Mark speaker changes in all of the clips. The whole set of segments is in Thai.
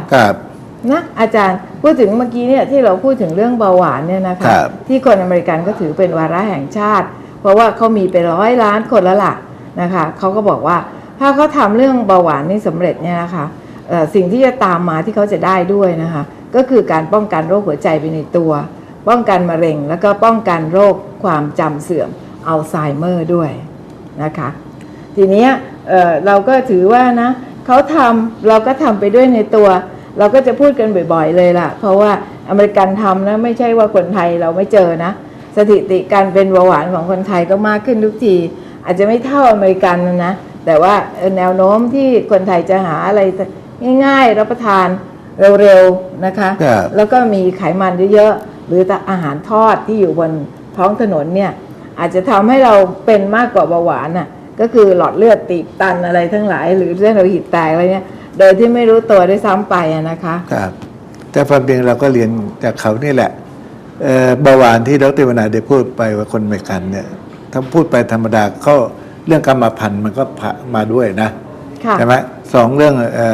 Speaker 1: ครับ
Speaker 2: นะอาจารย์พูดถึงเมื่อกี้เนี่ยที่เราพูดถึงเรื่องเบาหวานเนี่ยนะคะที่คนอเมริกันก็ถือเป็นวาระแห่งชาติเพราะว่าเขามีไป100 ล้านคนแล้วล่ะนะคะเขาก็บอกว่าถ้าเขาทำเรื่องเบาหวานนี่สำเร็จเนี่ยนะคะสิ่งที่จะตามมาที่เขาจะได้ด้วยนะคะก็คือการป้องกันโรคหัวใจไปในตัวป้องกันมะเร็งแล้วก็ป้องกันโรคความจำเสื่อมอัลไซเมอร์ด้วยนะคะทีนี้เราก็ถือว่านะเขาทำเราก็ทำไปด้วยในตัวเราก็จะพูดกันบ่อยๆเลยล่ะเพราะว่าอเมริกันทำนะไม่ใช่ว่าคนไทยเราไม่เจอนะสถิติการเป็นเบาหวานของคนไทยก็มากขึ้นทุกทีอาจจะไม่เท่าอเมริกันนะแต่ว่าแนวโน้มที่คนไทยจะหาอะไรง่ายๆรับประทานเร็วๆนะคะแล้วก็มีไขมันเยอะๆหรืออาหารทอดที่อยู่บนท้องถนนเนี่ยอาจจะทำให้เราเป็นมากกว่าเบาหวานน่ะก็คือหลอดเลือดตีบตันอะไรทั้งหลายหรือเส้นโลหิตแตกอะไรเนี่ยโดยที่ไม่รู้ตัวด้วยซ้ำไปนะคะ
Speaker 1: ครับแต่ความจริงเราก็เรียนจากเขานี่แหละเบาหวานที่ดร.วนาได้พูดไปว่าคนอเมริกันเนี่ยถ้าพูดไปธรรมดาก็เรื่องกรรมพันธุ์มันก็มาด้วยนะใช่ไหมสองเรื่อง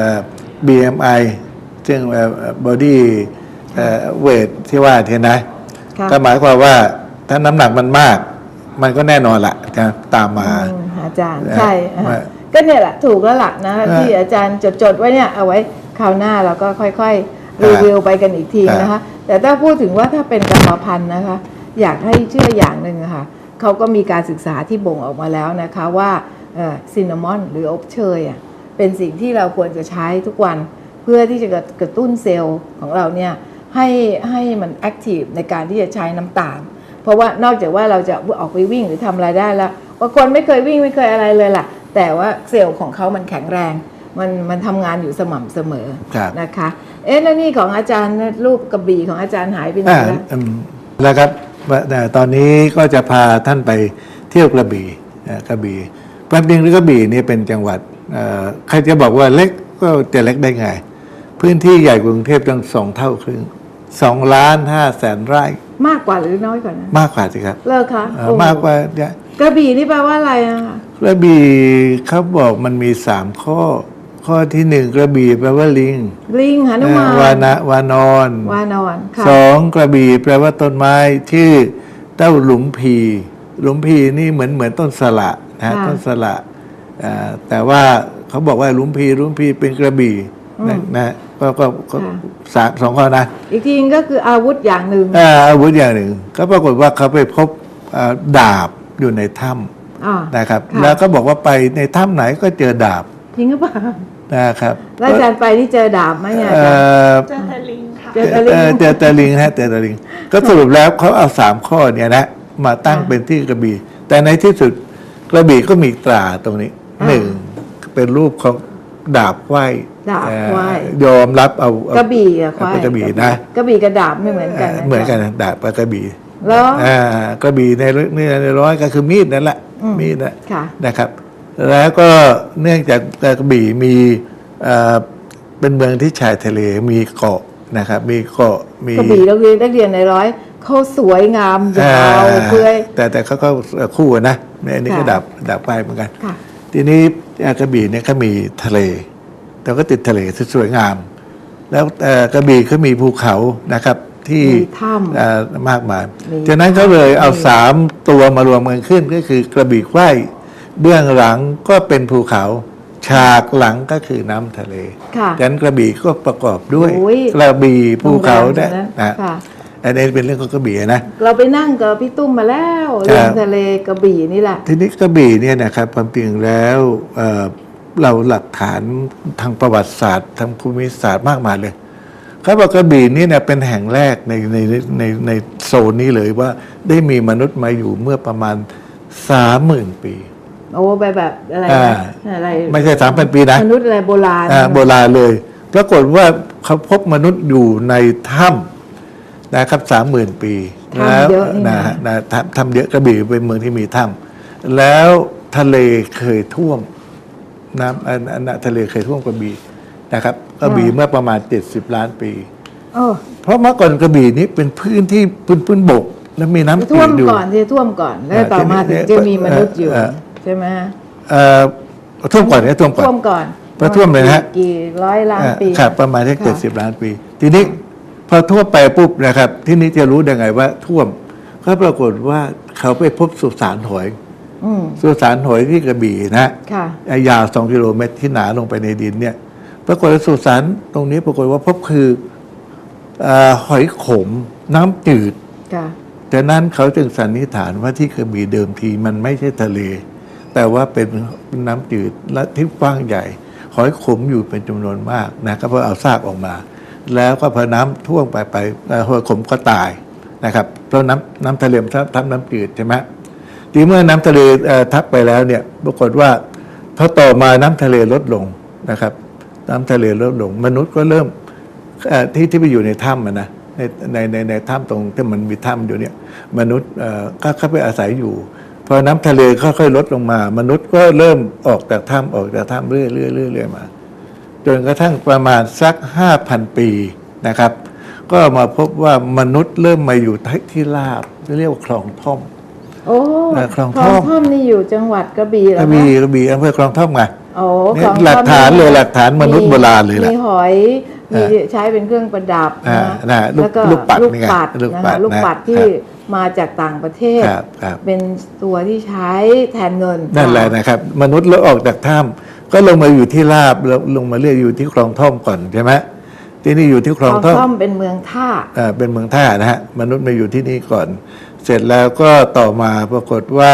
Speaker 1: BMI ซึ่งbody weight ที่ว่าเท่นะก็หมายความว่าถ้าน้ำหนักมันมากมันก็แน่นอนละจะตามมา
Speaker 2: อาจารย์ใช่ก็เนี่ยแหละถูกแล้วล่ะนะที่อาจารย์จดไว้เนี่ยเอาไว้คราวหน้าเราก็ค่อยๆรีวิวไปกันอีกทีนะคะแต่ถ้าพูดถึงว่าถ้าเป็นกรรมพันธุ์นะคะอยากให้เชื่ออย่างหนึ่งค่ะเขาก็มีการศึกษาที่บ่งออกมาแล้วนะคะว่าซินนามอนหรืออบเชยเป็นสิ่งที่เราควรจะใช้ทุกวันเพื่อที่จะกระตุ้นเซลล์ของเราเนี่ยให้มันแอคทีฟในการที่จะใช้น้ำตาลเพราะว่านอกจากว่าเราจะออกไปวิ่งหรือทำอะไรได้แล้วบางคนไม่เคยวิ่งไม่เคยอะไรเลยล่ะแต่ว่าเซลล์ของเขามันแข็งแรงมันทำงานอยู่สม่ำเสมอนะคะแล้วนี่ของอาจารย์รูปกระบี่ของอาจารย์หายไปไหน
Speaker 1: แล้วครับตอนนี้ก็จะพาท่านไปเที่ยวกระบี่ความจริงกระบี่นี่เป็นจังหวัดใครจะบอกว่าเล็กก็จะเล็กได้ไงพื้นที่ใหญ่กว่ากรุงเทพตั้ง2 เท่าครึ่ง2,500,000 ไร่ม
Speaker 2: ากกว่าหรือน้อยกว่านะ
Speaker 1: มากกว่าสิครับ
Speaker 2: เลิกคะ
Speaker 1: มากกว่าก
Speaker 2: ระบี่นี่แปลว่าอะไรอะ
Speaker 1: กระบี่เขาบอกมันมี3 ข้อที่1กระบี่แปลว่าลิง
Speaker 2: หนุมาน
Speaker 1: วานอน
Speaker 2: 2
Speaker 1: กระบี่แปลว่าต้นไม้ชื่อเต้าหลุมพีนี่เหมือนต้นสละนะต้นสละแต่ว่าเขาบอกว่าหลุมพีเป็นกระบี่นะก็2 ข้อนะ
Speaker 2: อีกทีก็คืออาวุธอย่างหนึ่ง
Speaker 1: ก็ปรากฏว่าเขาไปพบดาบอยู่ในถ้ำนะครับแล้วก็บอกว่าไปในถ้ำไหนก็เจอดาบ
Speaker 2: จริงหรือเปล่า
Speaker 1: นะครับ
Speaker 2: แล้วอาจารย์ไปที่เจอดาบไหมเนี่ยเจอแต่ลิงค่ะเจอ
Speaker 1: แต่ลิงก็สรุปแล้วเขาเอา3 ข้อเนี่ยนะมาตั้งเป็นที่กระบี่แต่ในที่สุดกระบี่ก็มีตราตรงนี้1เป็นรูปของดาบไหว้ยอมรับเอา
Speaker 2: กระบี่อะ
Speaker 1: ควายกระบี่นะ
Speaker 2: กระบี่กับดาบไม่เหมือนกัน
Speaker 1: เหมือนกันดาบกับกระบี่
Speaker 2: แล้ว
Speaker 1: กระบี่ในร้อยก็คือมีดนั่นแหละมีดนะครับแล้วก็เนื่องจากกระบี่มีเป็นเมืองที่ชายทะเลมีเกาะนะครับมีเกาะมี
Speaker 2: กระบี่เราเรียนในร้อยเขาสวยงามยาวเพื่อย
Speaker 1: แต่เขาก็คู่นะอันนี้ก็ดาบไปเหมือนกันทีนี้กระบี่เนี่ยเขามีทะเลแต่ก็ติดทะเลสวยงามแล้วกระบี่เขามีภูเขานะครับที่มากมายฉะนั้นเขาเลยเอา3 ตัวมารวมกันขึ้นก็คือกระบี่ไขว้เบื้องหลังก็เป็นภูเขาฉากหลังก็คือน้ำทะเลฉะนั้นกระบี่ก็ประกอบด้วยกระบี่ภูเขาเนี่ยอันนี้เป็นเรื่องของกระบี่นะ
Speaker 2: เราไปนั่งกับพี่ตุ้มมาแล้วเรื่องทะเลกระบี่นี่แหละ
Speaker 1: ทีนี้กระบี่เนี่ยนะครับความจริงแล้วเราหลักฐานทางประวัติศาสตร์ทางภูมิศาสตร์มากมายเลยเขาบอกกระบี่นี่เนี่ยเป็นแห่งแรกในโซนนี้เลยว่าได้มีมนุษย์มาอยู่เมื่อประมาณ 30,000 ปี
Speaker 2: โอ้แบบอะไร
Speaker 1: ไม่ใช่ 3,000 ปีนะ
Speaker 2: มนุษย์อะไรโบราณ
Speaker 1: เลยปรากฏว่าเขาพบมนุษย์อยู่ในถ้ำนะครับ 30,000 ปี
Speaker 2: แล้ว
Speaker 1: ทำเยอะกระบี่เป็นเมืองที่มีถ้ำแล้วทะเลเคยท่วมน้ำทะเลเคยท่วมกระบี่นะครับกระบี่เมื่อประมาณ70 ล้านปีเพราะเมื่อก่อนกระบี่นี้เป็นพื้นที่พื้นบกแล้วมีน้ำ
Speaker 2: ท่วมก่อนท่วมก่อนแล้วต่อมาถึงจะมีมนุษย์อยู่ใช่ไหม
Speaker 1: ท่วมก่อน
Speaker 2: ท่วมก่อน
Speaker 1: พอท่วมเลยนะฮะ
Speaker 2: กี่ร้อยล้านปี
Speaker 1: ครับประมาณแค่
Speaker 2: ค่ะ
Speaker 1: 70 ล้านปี ทีนี้พอท่วมไปปุ๊บนะครับ ที่นี้จะรู้ได้ไงว่าท่วมก็ปรากฏว่าเขาไปพบสุสานหอย
Speaker 2: อืม
Speaker 1: สุสานหอยที่กระบี่นะ
Speaker 2: ค่ะ
Speaker 1: ยาว2 กิโลเมตรที่หนาลงไปในดินเนี่ยปรากฏว่าสุสานตรงนี้ปรากฏว่าพบคือหอยขมน้ำจืด
Speaker 2: ค่ะ
Speaker 1: ดังนั้นเขาจึงสันนิษฐานว่าที่กระบี่เดิมทีมันไม่ใช่ทะเล แต่ว่าเป็นน้ำจืดและที่กว้างใหญ่ หอยขมอยู่เป็นจำนวนมากนะครับเพราะเอาซากออกมา แล้วก็พอน้ำท่วมไปหอยขมก็ตายนะครับเพราะน้ำทะเลมันทับน้ำจืดใช่ไหมทีเมื่อน้ำทะเลทับไปแล้วเนี่ยปรากฏว่าพอต่อมาน้ำทะเลลดลงนะครับ น้ำทะเลลดลงมนุษย์ก็เริ่มที่ไปอยู่ในถ้ำนะในถ้ำตรงที่มันมีถ้ำอยู่เนี่ยมนุษย์ก็เข้าไปอาศัยอยู่พอน้ำทะเลค่อยๆลดลงมา มนุษย์ก็เริ่มออกจากถ้ำเรื่อยๆมาจนกระทั่งประมาณสัก 5,000 ปีนะครับ ก็มาพบว่ามนุษย์เริ่มมาอยู่ที่ราบเรียกว่าคลองท่อม
Speaker 2: โอ้
Speaker 1: คลองท่อม
Speaker 2: ท่อมนี่อยู่จังหวัดกระบี่เหร
Speaker 1: ก
Speaker 2: อ
Speaker 1: ระ
Speaker 2: คะ
Speaker 1: บี่อำเภอคลองท่อมไง
Speaker 2: โอ้
Speaker 1: เนี่
Speaker 2: ค
Speaker 1: ย
Speaker 2: ลอง
Speaker 1: หลักฐานเลย
Speaker 2: ท่อม
Speaker 1: หลักฐานมนุษย์โบราณเลยล่ะ
Speaker 2: มีหอยมีใช้เป็นเครื่องประดับ
Speaker 1: นะ
Speaker 2: แล้วก็
Speaker 1: ลูกปัด
Speaker 2: ลูก
Speaker 1: นี่ไง
Speaker 2: ปัด
Speaker 1: ลูก
Speaker 2: นะ
Speaker 1: ปั
Speaker 2: คะ
Speaker 1: ด
Speaker 2: ลูกปัด
Speaker 1: นะ
Speaker 2: ที่มาจากต่างประเทศ
Speaker 1: ครับครับ
Speaker 2: เป็นตัวที่ใช้แทนเงิน
Speaker 1: นั่นแหละนะครับ มนุษย์แล้วออกจากถ้ำก็ลงมาอยู่ที่ราบแล้วลงมาเรียกอยู่ที่คลองท่อมก่อนใช่ไหมที่นี่อยู่ที่ค
Speaker 2: ค
Speaker 1: ล
Speaker 2: ล
Speaker 1: อ
Speaker 2: อง ง
Speaker 1: ท่อม
Speaker 2: ท่อมเป็นเมืองท่า
Speaker 1: เป็นเมืองท่านะฮะมนุษย์มาอยู่ที่นี่ก่อน เสร็จแล้วก็ต่อมาปรากฏว่า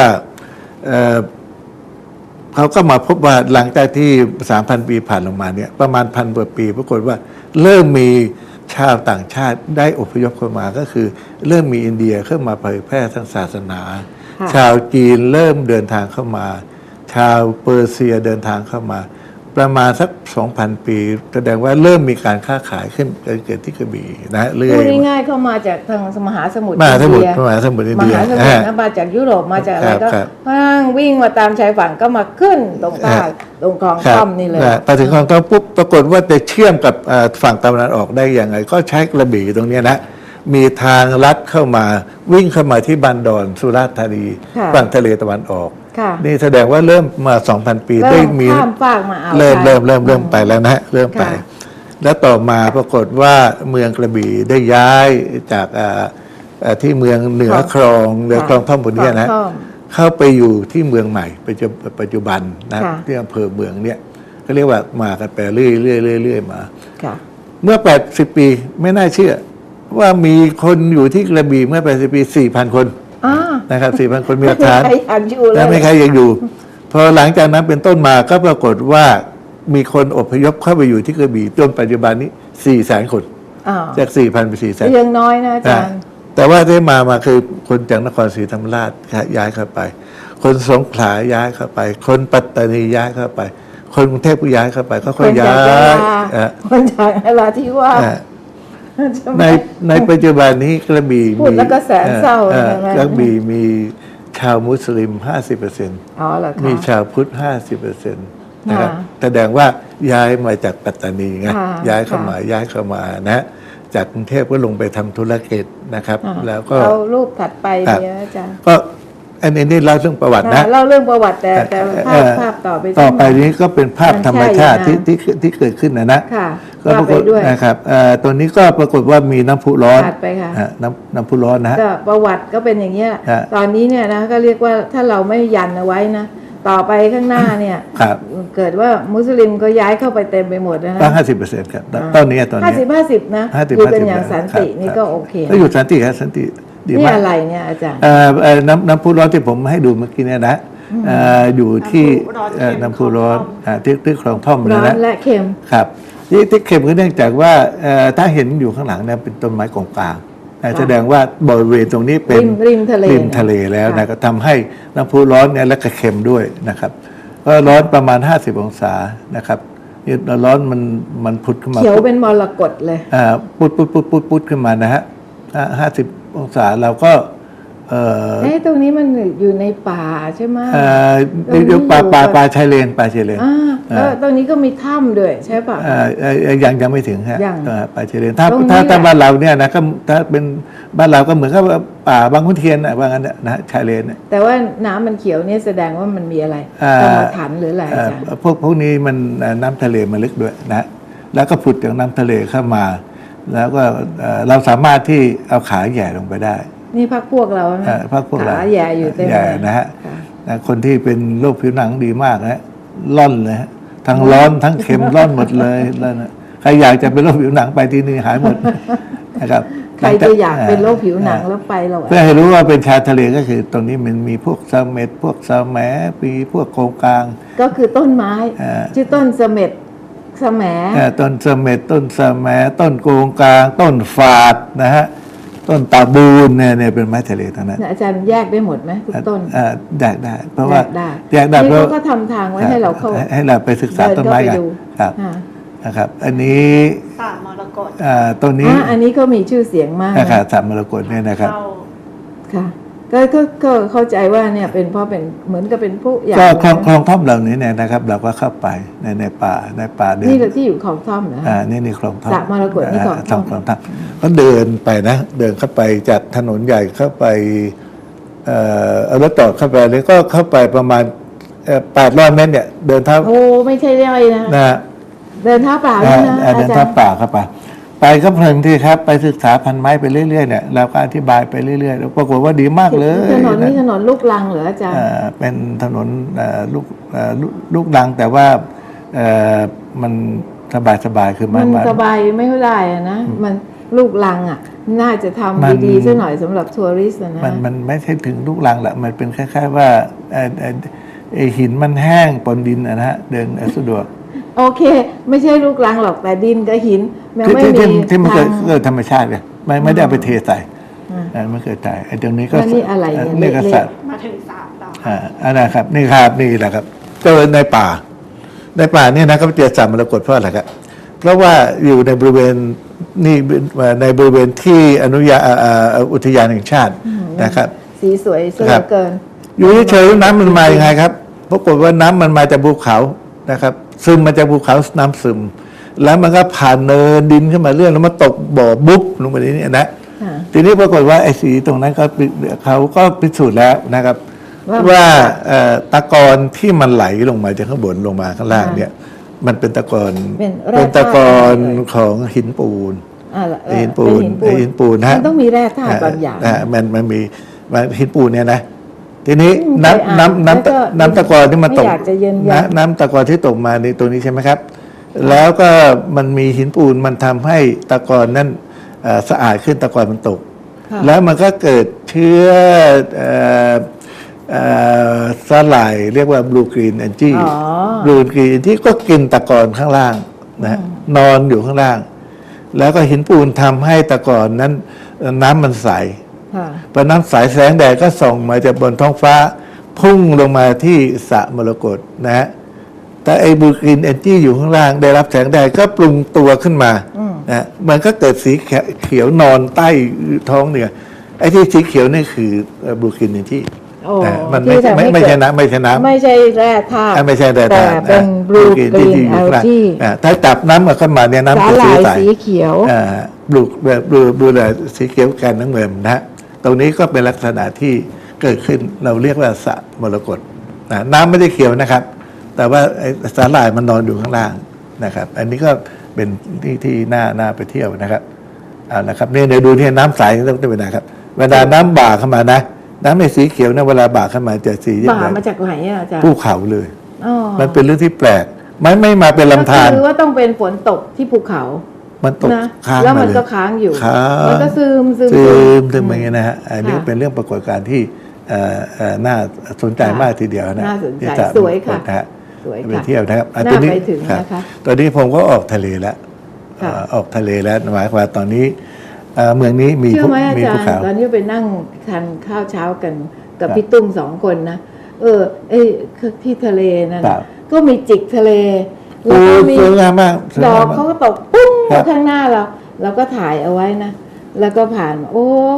Speaker 1: เขาก็มาพบว่าหลังจากที่ 3,000 ปีผ่านลงมาเนี่ยประมาณ1,000 กว่าปีปรากฏว่าเริ่มมีชาวต่างชาติได้อพยพเข้ามาก็คือ เริ่มมีอินเดียเข้ามาเผยแพร่ทางศาสนา
Speaker 2: ค่ะ
Speaker 1: ชาวจีนเริ่มเดินทางเข้ามา ชาวเปอร์เซียเดินทางเข้ามา ประมาณสัก 2,000 ปีแสดงว่าเริ่มมีการค้าขายขึ้นเกิดที่กระบี่นะเรื่อ
Speaker 2: พู
Speaker 1: ย
Speaker 2: ดง่ายๆเข้ามาจากทางมหาสมุทร
Speaker 1: มหาสมุทร
Speaker 2: อินเดีย
Speaker 1: มหาสมุทรอิน
Speaker 2: ม
Speaker 1: เดีย
Speaker 2: หาสมุทรนะมาจากยุโรปมาจากอะไรก็
Speaker 1: ครับ
Speaker 2: วิ่งมาตามชายฝั่งก็มาขึ้นตรงใต้ตรงคลอง
Speaker 1: ครับ
Speaker 2: ท่อมนี่เลย
Speaker 1: ไปถึงคลองท่อมปุ๊บปรากฏว่าจะเชื่อมกับฝั่งตะวันออกได้อย่างไรก็ใช้กระบี่ตรงเนี้ยนะมีทางลัดเข้ามาวิ่งเข้ามาที่บันดอนสุราษฎร์ธานี
Speaker 2: ค่ะ
Speaker 1: ฝั่งทะเลตะวันออก
Speaker 2: ค่ะ
Speaker 1: นี่แสดงว่าเริ่มมา 2,000 ปี
Speaker 2: เริ่
Speaker 1: ได้
Speaker 2: ม
Speaker 1: มี
Speaker 2: ข้ามฟากมาเอา
Speaker 1: เริ่ม
Speaker 2: ไทย
Speaker 1: เริ่มไปแล้วนะฮะเริ่มไป
Speaker 2: ค่ะ
Speaker 1: แล้วต่อมาปรากฏว่าเมืองกระบี่ได้ย้ายจากที่เมืองเหนือคลองเรือคลองท่อมบนเนี้ยนะ
Speaker 2: คลองท่อม
Speaker 1: เข้าไปอยู่ที่เมืองใหม่ปัจจุบันนะ
Speaker 2: ค่ะ
Speaker 1: ที่อำเภอเมืองเนี่ยก็เรียกว่ามากันไปเรื่อยมา
Speaker 2: ค่ะ
Speaker 1: เมื่อ 80 ปีไม่น่าเชื่อ ว่ามีคนอยู่ที่กระบี่เมื่อ 80 ปี 4,000 คน
Speaker 2: อ่า
Speaker 1: นะครับ 4,000 คนมีหลักฐาน
Speaker 2: ไม่มีใครอยากอยู่เล
Speaker 1: และไม่
Speaker 2: ย
Speaker 1: ใครยังอยู่ พอหลังจากนั้นเป็นต้นมาก็ปรากฏว่ามีคนอพยพเข้าไปอยู่ที่กระบี่จนปัจจุบันนี้ 400,000 คน
Speaker 2: อ่า
Speaker 1: จาก 4,000 ไป 400,000
Speaker 2: ยังน้อยนะอาจารย์
Speaker 1: แต่ว่าที่มาคือคนจากนครศรีธรรมราชย้ายเข้าไป คนสงขลาย้ายเข้าไป คนปัตตานีย้ายเข้าไป คนกรุงเทพก็ย้ายเข้าไปก็ค่อยย้า
Speaker 2: คนจากนราธิวาส
Speaker 1: อ่ะ
Speaker 2: ใช่ไหม
Speaker 1: ในปัจจุบันนี้กระบี่
Speaker 2: พูดแล้วก็แสนเศร้า
Speaker 1: อ่อ
Speaker 2: ใช่ไหม
Speaker 1: กระบี่มีชาวมุสลิม 50%
Speaker 2: อ๋อเหรอคะ
Speaker 1: มีชาวพุทธ 50%นะครับ
Speaker 2: ค่ะ
Speaker 1: แสดงว่าย้ายมาจากปัตตานีไง
Speaker 2: ค่ะ
Speaker 1: ย้ายเข้า
Speaker 2: ค่ะ
Speaker 1: มาย้ายเข้ามานะ จากกรุงเทพก็ลงไปทำธุรกิจนะครับ
Speaker 2: อ่า
Speaker 1: แล้วก็
Speaker 2: เอารูปถัดไป
Speaker 1: ครับ
Speaker 2: เนี่ยอาจารย์
Speaker 1: ก็อันนี้เล่าเรื่องประวัตินะ
Speaker 2: เล่าเรื่องประวัติแต่ภาพต่อไป
Speaker 1: ต่อไป
Speaker 2: สักหน่ย
Speaker 1: นี้ก็เป็นภาพธรรมชาติ
Speaker 2: มันใช่นะ
Speaker 1: ที่เกิดขึ้นนะ
Speaker 2: ค่ะ
Speaker 1: ก็ปราก
Speaker 2: ว่า
Speaker 1: ฏ
Speaker 2: ไปด้วย
Speaker 1: นะครับตัวนี้ก็ปรากฏว่ามีน้ำพุร้อน
Speaker 2: ถัดไปค่ะ
Speaker 1: น้ำพุร้อนนะฮะ
Speaker 2: ก็ประวัติก็เป็นอย่างเงี้ย
Speaker 1: ฮะ
Speaker 2: ตอนนี้เนี่ยนะก็เรียกว่าถ้าเราไม่ยันเอาไว้นะ ต่อไปข้างหน้าเนี่ย
Speaker 1: ครับ
Speaker 2: เกิดว่ามุสลิมก็ย้ายเข้าไปเต็มไปหมดนะ
Speaker 1: ตั้ง
Speaker 2: นะ
Speaker 1: 50%ครับตอนนี้
Speaker 2: 50นะ
Speaker 1: 50
Speaker 2: อยู่กันอย่างสันติ
Speaker 1: ครับ
Speaker 2: นี่ก็โอเค
Speaker 1: ก็อยู่สันติครับสันติดี
Speaker 2: นี่
Speaker 1: มาก
Speaker 2: อะไรเนี่ยอาจารย์
Speaker 1: น้ำพุร้อนที่ผมให้ดูเมื่อกี้เนี่ยนะอยู่ที่น้ำพุร้อนที่คลองท่อม
Speaker 2: ร้อ
Speaker 1: นะ
Speaker 2: นและเค็ม
Speaker 1: ครับที่เข็มก็เนื่องจากว่าถ้าเห็นอยู่ข้างหลังเนี่ยเป็นต้นไม้กงกลางแสดงว่าบริเวณตรงนี้เป็น
Speaker 2: ริมทะเล
Speaker 1: ริมทะเลแล้วนะก็ทำให้น้ำพุร้อนเนี่ยและก็เค็มด้วยนะครับก็ร้อนประมาณ 50 องศานะครับนี่ร้อนมันพุดขึ้นมา
Speaker 2: เขียวเป็นมรกตเลย
Speaker 1: พุดขึ้นมานะฮะ50 องศาเราก็
Speaker 2: ตรงนี้มันอยู่ในป่าใช่ไหม
Speaker 1: อยู่ป่าชายเลน
Speaker 2: แล้วตรงนี้ก็มีถ้ำด้วยใช่ป่ะ
Speaker 1: ยังไม่ถึงฮะ
Speaker 2: ยัง
Speaker 1: ป่าชายเลนถ้าบ้านเราเนี่ยนะก็ถ้าเป็นบ้านเราก็เหมือนกับป่าบางขุนเทียนว่างั้นนะชายเลน
Speaker 2: แต่ว่าน้ำมันเขียวเนี่ยแสดงว่ามันมีอะไรกรรมฐานหรืออะไรอาจารย์
Speaker 1: พวกนี้มันน้ำทะเลมันลึกด้วยนะแล้วก็ผุดจากน้ำทะเลเข้ามา แล้วก็เราสามารถที่เอาขาแหย่ลงไปได้
Speaker 2: นี่พักพวกเรานะ
Speaker 1: พักพวกเรา
Speaker 2: ขาแย่อยู่เต็มเลย
Speaker 1: นะฮะคนที่เป็นโรคผิวหนังดีมากนะร่อนเลยฮะทั้งร้อนทั้งเค็มร่อนหมดเลยแล้วนะใครอยากจะเป็นโรคผิวหนังไปที่นี่หายหมดนะครับ
Speaker 2: ใครจะอยากเป็นโรคผิวหนังแล้วไปเรา
Speaker 1: เพื่อให้รู้ว่าเป็นชายทะเลก็คือตรงนี้มันมีพวกเสม็ดพวกสะแหมปีพวกโกงกลาง
Speaker 2: ก็คือต้นไม้ชื่อต้นเสม็ดสะแหม
Speaker 1: ต้นเสม็ดต้นสะแหมต้นโกงกลางต้นฝาดนะฮะต้นตาบูนเนี่ยเป็นไม้ทะเลทั้งนั้น
Speaker 2: อาจารย์แยกได้หมดไหมทุกต้น
Speaker 1: แยกได้เพราะว่า
Speaker 2: แยกได้เพราะก็ทำทางไว้ให้เราเข้า
Speaker 1: ให้เราไปศึกษาต้นไม้กันครับนะครับอันนี้
Speaker 3: สระมรกต
Speaker 1: ต้นนี้
Speaker 2: อันนี้ก็มีชื่อเสียงมาก
Speaker 1: นะครับสระมรกตเนี่ยนะครับ
Speaker 2: ค่ะก็เข้าใจว่าเนี่ยเป็นเพราะเป็นเหมือนกับเป็นผู้
Speaker 1: อย่างก็คลองท่อมเหล่านี้เนี่ยนะครับเราก็เข้าไปในป่าเดิน
Speaker 2: นี่ที่อยู่คลองท่อมนะ
Speaker 1: นี่คลองท่อม
Speaker 2: สระมรกตนี่คลองท่อม
Speaker 1: ก็เดินไปนะเดินเข้าไปจากถนนใหญ่เข้าไปเอารถจอดเข้าไปแล้วก็เข้าไปประมาณ800 เมตรเนี่ยเดินเท้า
Speaker 2: โอ้ไม่ใช่ย่อยนะเดินเท้าเปล่า
Speaker 1: นะเดินเท้าเปล่าเข้าไปก็เพลินที่ครับไปศึกษาพันไม้ไปเรื่อยๆเนี่ยเราก็อธิบายไปเรื่อยๆแล้วปรากฏว่าดีมากเลย
Speaker 2: ถนนนี้ถนนลูกรังเหรออาจารย์
Speaker 1: เป็นถนนลูกรังแต่ว่ามันสบายคือ
Speaker 2: มันสบายไม่เท่าไหร่นะมันลูกรังน่าจะทำดีๆสักหน่อยสำหรับทัวริสต์นะ
Speaker 1: มันไม่ใช่ถึงลูกรังแหละมันเป็นคล้ายๆว่าหินมันแห้งปนดินนะฮะเดินสะดวก
Speaker 2: โอเคไม่ใช่ลูกรังหรอกแต่ดินกับหิน
Speaker 1: มันไม่มีที่มันเกิดธรรมชาติเลยไม่ได้เอาไปเทใส่ไม่เกิดใจไอ้ตรงนี้ก็
Speaker 2: นี่อะไร
Speaker 1: นี่ก็สัตว์
Speaker 3: มาถึงสามต่อ
Speaker 1: อันนะครับนี่ครับนี่แหละครับเจอในป่าเนี่ยนะก็เจอสระมรกตเพราะอะไรครับเพราะว่าอยู่ในบริเวณนี่ในบริเวณที่อนุญาอุทยานแห่งชาตินะครับ
Speaker 2: สีสวยสวยเกิน
Speaker 1: อยู่เฉยๆน้ำมันมายังไงครับปรากฏว่าน้ำมันมาจากภูเขานะครับซึมมาจากภูเขาน้ำซึมแล้วมันก็ผ่านเนินดินขึ้นมาเรื่อยแล้วมาตกบ่อบุ๊บลงไปนี่นะทีนี้ปรากฏว่าไอ้สีตรงนั้นก็เขาก็พิสูจน์แล้วนะครับว่าตะกอนที่มันไหลลงมาจากข้างบนลงมาข้างล่างเนี่ยมันเป็นตะกอนตะกอนของหินปูนหินปูน
Speaker 2: นะมันต้องมีแร่ธาตุบางอย่าง
Speaker 1: มันมีหินปูนเนี่ยนะทีนี้น้ำตะกอนที่มาตกน้ำตะกอนที่ตกมาในตัวนี้ใช่ไหมครับแล้วก็มันมีหินปูนมันทำให้ตะกอนนั้นสะอาดขึ้นตะกอนมันตกแล้วมันก็เกิดเชื้อสลายเรียกว่าบลูกรีนแอนจี้บลูกรีนที่ก็กินตะกอนข้างล่างนะนอนอยู่ข้างล่างแล้วก็หินปูนทำให้ตะกอนนั้นน้ำมันใสพอน้ำใสแสงแดดก็ส่องมาจากบนท้องฟ้าพุ่งลงมาที่สระมรกตนะฮะแต่ไอ้บลูกรีนแอนจี้อยู่ข้างล่างได้รับแสงแดดก็ปรุงตัวขึ้นมานะมันก็เกิดสีเขียวนอนใต้ท้องเนี่ยไอ้ที่สีเขียวนี่คือบลูกรีนแอนจี้มันไม่ใช่น้ำไม่ใช่
Speaker 2: แร่ธาตุ
Speaker 1: ไม่ใช่แร่ธาตุ
Speaker 2: แต่เป็นบลูกรีนแอลจี
Speaker 1: ถ้าจับน้ำมาขึ้นมาเนี่ยน้ำจะ
Speaker 2: สีเขียว
Speaker 1: บลูสีเขียวแกนน้ำเงินนะตรงนี้ก็เป็นลักษณะที่เกิดขึ้นเราเรียกว่าสระมรกตน้ำไม่ได้เขียวนะครับแต่ว่าสาหร่ายมันนอนอยู่ข้างล่างนะครับอันนี้ก็เป็นที่น่าไปเที่ยวนะครับนะครับนี่ในดูที่น้ำใสต้องเป็นนะครับเวลาน้ำบ่าเข้ามานะน้ำในสีเขียวนะเวลาบ่าเข้ามาจะสี
Speaker 2: บ่ามาจากไหนอาจารย์
Speaker 1: ภูเขาเลยมันเป็นเรื่องที่แปลกไม่มาเป็นลำธาร
Speaker 2: คือว่าต้องเป็นฝนตกที่ภูเขา
Speaker 1: มันตกค้าง
Speaker 2: แล้วมันก็ค้างอยู่มันก็ซึม
Speaker 1: อย่างเงี้ยนะฮะอันนี้เป็นเรื่องปรากฏการณ์ที่น่าสนใจมากทีเดียวนะ
Speaker 2: น่าสนใจสวยค่ะ
Speaker 1: ไปเที่ยวนะครับ
Speaker 2: น่าไปถึงนะคะ
Speaker 1: ตอนนี้ผมก็ออกทะเลแล้วออกทะเลแล้วหมายความตอนนี้เมืองนี้มีภูเขา
Speaker 2: ตอนนี้ไปนั่งทานข้าวเช้ากันกับพี่ตุ้ม2 คนนะที่ทะเลนั่นก็มีจิกทะเล
Speaker 1: แล้วก็มี
Speaker 2: ดอกเขาก็ตกปุ้งข้างหน้าเราก็ถ่ายเอาไว้นะแล้วก็ผ่านโอ้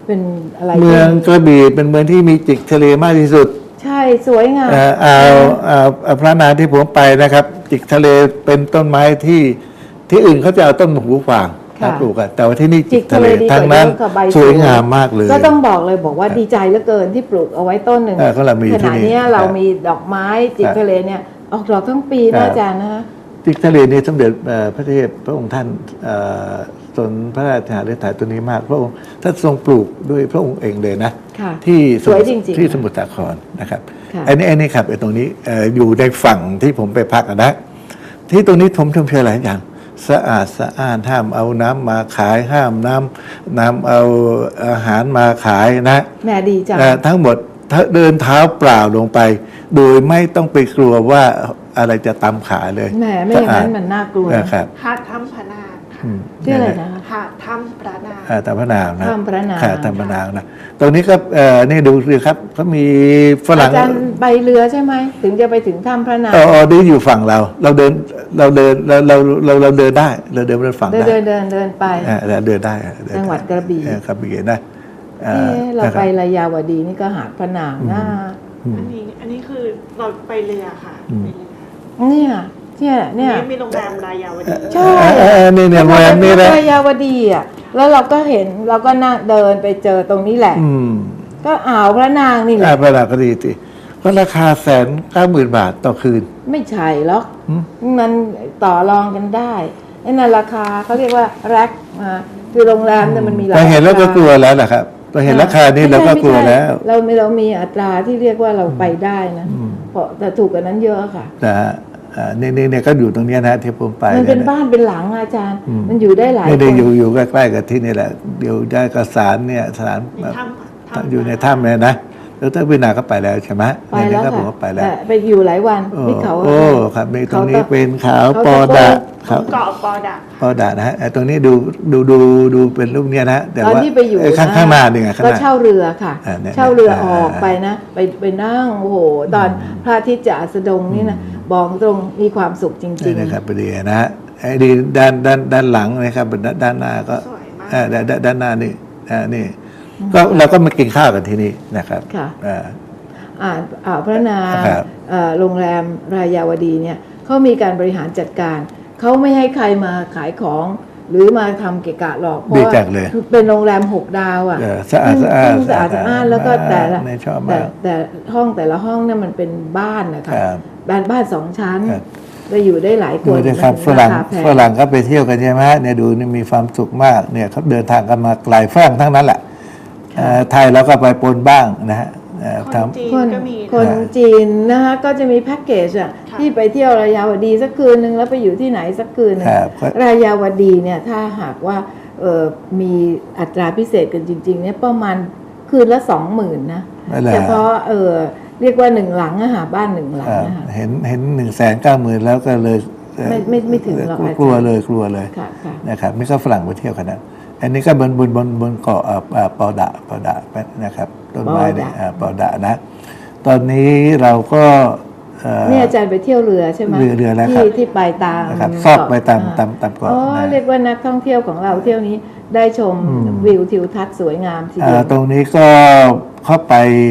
Speaker 2: เป็นอะไร
Speaker 1: เมืองกระบี่เป็นเมืองที่มีจิกทะเลมากที่สุด
Speaker 2: ใช่สวยงาม
Speaker 1: พระนางที่ผมไปนะครับ จิกทะเลเป็นต้นไม้ที่อื่นเขาจะเอาต้นหูฝางมาปลูกอะแต่ว่าที่นี่จิกทะเลทั้งนั้นสวยงามมากเลย
Speaker 2: ก็ต้องบอกเลยบอกว่าดีใจเหลือเกินที่ปลูกเอาไว้ต้นหนึ่ง
Speaker 1: ก็เรามี
Speaker 2: ข
Speaker 1: ที่
Speaker 2: ณะ
Speaker 1: นี่
Speaker 2: นี้เรามีดอกไม้จิกทะเลเนี่ยออกดอกทั้งปี
Speaker 1: ครั
Speaker 2: นะ
Speaker 1: บ
Speaker 2: อาจารย์นะ
Speaker 1: จิกทะเลนี่สมเด็จพระเทพพระองค์ท่านสนพระราชหฤทัยตัวนี้มากพระองค์ท่านทรงปลูกด้วยพระองค์เองเลยนะ
Speaker 2: ค่ะ
Speaker 1: ที่
Speaker 2: สวยจริงๆ
Speaker 1: ที่สมุทรสาครนะครับ
Speaker 2: ค่ะ
Speaker 1: อันนี้ครับไอ้ตรงนี้อยู่ในฝั่งที่ผมไปพักนะที่ตรงนี้ผมชมเชยหลายอย่างสะอาดสะอ้านห้ามเอาน้ำมาขายห้ามน้ำเอาอาหารมาขายนะ
Speaker 2: แหม่ดีจัง
Speaker 1: ทั้งหมดเดินเท้าเปล่าลงไป โดยไม่ต้องไปกลัวว่าอะไรจะตำขาเลย
Speaker 2: แหมไม่อย่างนั้นมันน่ากลัวนะ
Speaker 1: นะครับ
Speaker 3: หาดถ้ำพระนางค่ะ
Speaker 2: ชื่ออะไรนะคะ
Speaker 3: หาดถ้ำพระนาง
Speaker 1: ตามพระนางนะ
Speaker 2: ถ้ำพระนาง
Speaker 1: ตามพระนางนะตรงนี้ก็นี่ดูสิครับเขามีฝรั่ง
Speaker 2: อาจารย์ไปเรือใช่ไหมถึงจะไปถึงถ้ำพระนาง
Speaker 1: ดีอยู่ฝั่งเราเดินเราเดินได้เราเดินฝั่งได้
Speaker 2: เดินไป
Speaker 1: เราเดินได้
Speaker 2: จังหวัดกระบี่
Speaker 1: กระบี่นะ
Speaker 2: เราไประยาวดีนี่ก็หาดพระนางนะ
Speaker 3: อันนี้คือเราไปเรือค่ะไปเรือ
Speaker 2: เนี่ย
Speaker 3: มีโรงแรมรายาวดี
Speaker 2: ใช่
Speaker 1: เนี่ยโรงแรมนี่แหละ
Speaker 2: ระยาวดีอ่ะแล้วเราก็เห็นเราก็นั่งเดินไปเจอตรงนี้แหละ ก็อ่าวพระนางนี่แหละ
Speaker 1: พระนางก็ดีสิก็ราคา190,000 บาทต่อคืน
Speaker 2: ไม่ใช่หรอกมันต่อรองกันได้ไอ้นั่นราคาเขาเรียกว่าแร็กคือโรงแรมเนี่ยมันมีหลาย
Speaker 1: เราเห็นแล้วก็กลัวแล้วนะครับเราเห็นราคานี้เราก็กลัวแล้ว
Speaker 2: เรามีอัตราที่เรียกว่าเราไปได้นะเพราะแต่ถูกกว่านั้นเยอะค่ะ
Speaker 1: นะฮะนี่ก็อยู่ตรงเนี้ยนะที่ผมไป
Speaker 2: มันเป็นบ้านเป็นหลังอาจารย์ มันอยู่ได้หลาย
Speaker 1: ไม่ได้
Speaker 2: คน
Speaker 1: อยู่ใกล้ๆกับที่นี่แหละเดี๋ยวได้กระสารเนี่ยสถาน
Speaker 3: มีถ้ำ
Speaker 1: อยู่ในถ้ำเลยนะแล้วถ้าวินาก็ไปแล้วใช่ไหม
Speaker 2: ไปแล้ว
Speaker 1: ก็ผ
Speaker 2: ค่ะ
Speaker 1: มก็ไปแล้ว
Speaker 2: แต่ไปอยู่หลายวันที่เขา
Speaker 1: โอ้ครับมีตรงนี้
Speaker 2: เขา
Speaker 1: เป็นขาว
Speaker 2: เขา
Speaker 1: ปอดะค
Speaker 3: ข
Speaker 1: รั
Speaker 3: อบ งเกาะปอดะ
Speaker 1: ปอดะนะฮะตรงนี้ดูเป็นรูปเนี้ยนะแต่
Speaker 2: ตอน
Speaker 1: ว่า
Speaker 2: ที่ไปอยู่
Speaker 1: ข้างหน้านี่ไงข้าง
Speaker 2: ก็
Speaker 1: หน้า
Speaker 2: เช่าเรือค่ะ
Speaker 1: เนี่ย
Speaker 2: เช่าเรือออกไปนะ ไปนั่งโอ้โหตอนพระอาทิตย์จะอัสดงนี่นะบอกตรงมีความสุขจริง
Speaker 1: นี่นะครับพอดีนะฮะไอ้ดีด้านหลังนะครับด้านหน้าก็
Speaker 3: สวยมาก
Speaker 1: ด้านหน้านี่นี่ก็เราก็มากินข้าวกันที่นี่นะครับ
Speaker 2: ค่ะ
Speaker 1: อ่า
Speaker 2: พระนาง
Speaker 1: ครับ
Speaker 2: โรงแรมรายาวดีเนี่ยเขามีการบริหารจัดการเขาไม่ให้ใครมาขายของ หรือมาทำเกะกะหรอกเพราะ
Speaker 1: ดี
Speaker 2: ว่า
Speaker 1: จังเลย
Speaker 2: เป็นโรงแรม6 ดาวอ่ะ
Speaker 1: สะอาดสะอาด
Speaker 2: สะอาดสะอ้านแล้วก็แต่ละ
Speaker 1: ไม่ชอบมาก
Speaker 2: แต่ห้องแต่ละห้องเนี่ยมันเป็นบ้านนะคะ
Speaker 1: ครับ
Speaker 2: บ้าน2 ชั้น
Speaker 1: ครับ
Speaker 2: จะอยู่ได้หลายค
Speaker 1: ดู
Speaker 2: น
Speaker 1: ดิครับ
Speaker 2: มัน
Speaker 1: ฝรั่ง
Speaker 2: าคาแพ
Speaker 1: ฝรั่งก็ไปเที่ยวกันใช่ไหมเนี่ยดูนี่มีความสุขมากเนี่ยเขาเดินทางกันมาไกลฝรั่งทั้งนั้นแหละไทยเราก็ไปปนบ้างนะฮะ
Speaker 3: คนจีน
Speaker 2: คน
Speaker 3: ก็มี
Speaker 2: คนจีนนะคะก็จะมีแพ็กเกจอ่ะ
Speaker 3: ค่ะ
Speaker 2: ที่ไปเที่ยวรายาวดีสักคืนนึงแล้วไปอยู่ที่ไหนสักคืนนึง
Speaker 1: ครับ
Speaker 2: รายาวดีเนี่ยถ้าหากว่ามีอัตราพิเศษกันจริงๆเนี่ยประมาณคืนละ 20,000นะ
Speaker 1: นั่นแหละ
Speaker 2: เฉพาะเรียกว่า1 หลังอะหาบ้าน 1 หลังนะคะ
Speaker 1: เห็น190,000แล้วก็เลย
Speaker 2: ไม่ถึงหรอกอาจารย์
Speaker 1: กลัวเลย
Speaker 2: ค่ะค่ะ
Speaker 1: นะครับนี่ก็ฝรั่งไปเที่ยวกันนะอันนี้ก็บนเกาะปอดะนะครับต้นไม้เนี่ยปอดะนะ ตอนนี้เราก็
Speaker 2: นี่อาจารย์ไปเที่ยวเรือใช่ไหม
Speaker 1: เรือแล้วครับ
Speaker 2: ที่ไปตาม
Speaker 1: นะครับซอกไปตามเกาะ
Speaker 2: อ๋อ
Speaker 1: นะ
Speaker 2: เรียกว่านักท่องเที่ยวของเราเที่ยวนี้ได้ชมวิวทิวทัศน์สวยงามทีเดียว
Speaker 1: ตรงนี้ก็เข้าไป